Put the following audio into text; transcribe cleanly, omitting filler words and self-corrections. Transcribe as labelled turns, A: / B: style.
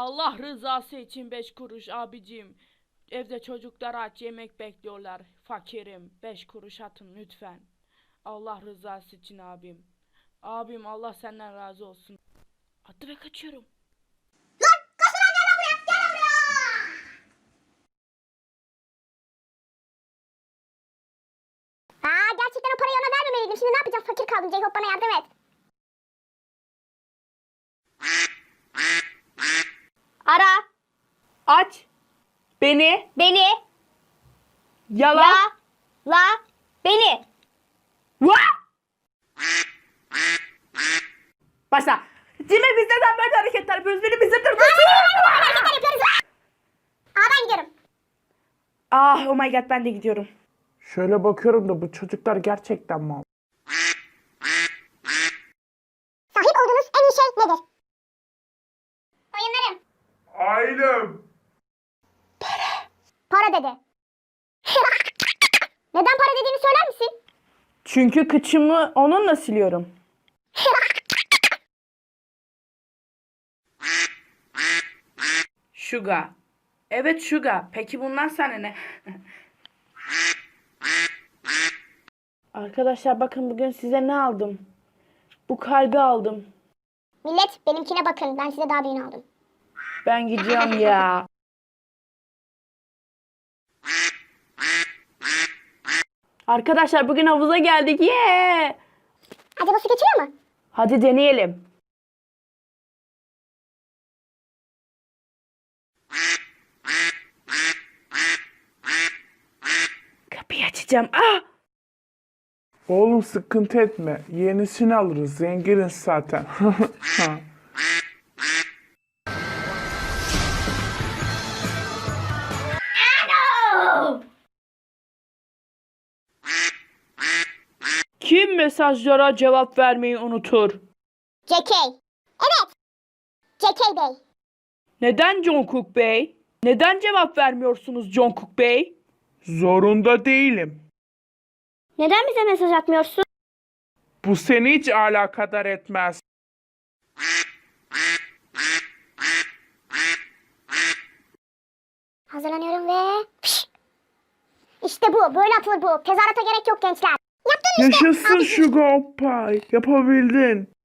A: Allah rızası için 5 kuruş abicim. Evde çocuklar aç, yemek bekliyorlar. Fakirim. 5 kuruş atın lütfen. Allah rızası için abim. Abim, Allah senden razı olsun. Attı ve kaçıyorum.
B: Gerçekten o parayı ona vermemeliydim. Şimdi ne yapacağım? Fakir kaldım. Jacob, bana yardım et. Ara.
A: Aç. Beni.
B: Beni.
A: Yala.
B: La. Beni.
A: Başla. Cemil, biz neden böyle hareketler yapıyoruz? Beni bize durdur.
B: Hareketler yapıyoruz. Ben gidiyorum.
A: Ah, oh my god, ben de gidiyorum.
C: Şöyle bakıyorum da bu çocuklar gerçekten mal.
B: Sahip olduğunuz en iyi şey nedir? Oyunlarım.
C: Ailem.
B: Para dedi. Neden para dediğini söyler misin?
A: Çünkü kıçımı onunla siliyorum. Sugar. Evet, Sugar. Peki bundan sana ne? Arkadaşlar bakın, bugün size ne aldım? Bu kalbi aldım.
B: Millet, benimkine bakın. Ben size daha büyüğünü aldım.
A: Ben gidiyorum ya. Arkadaşlar bugün havuza geldik. Yeah!
B: Acaba su geçiyor mu?
A: Hadi deneyelim. Kapıyı açacağım. Ah!
C: Oğlum sıkıntı etme. Yenisini alırız. Zenginiz zaten.
A: Kim mesajlara cevap vermeyi unutur?
B: JK. Evet. JK Bey.
A: Neden Jungkook Bey? Neden cevap vermiyorsunuz Jungkook Bey?
C: Zorunda değilim.
B: Neden bize mesaj atmıyorsun?
C: Bu seni hiç alakadar etmez.
B: Hazırlanıyorum ve... İşte bu. Böyle atılır bu. Tezahürata gerek yok gençler. Yaptın işte.
C: Yaşasın Sugar Pie. Yapabildin.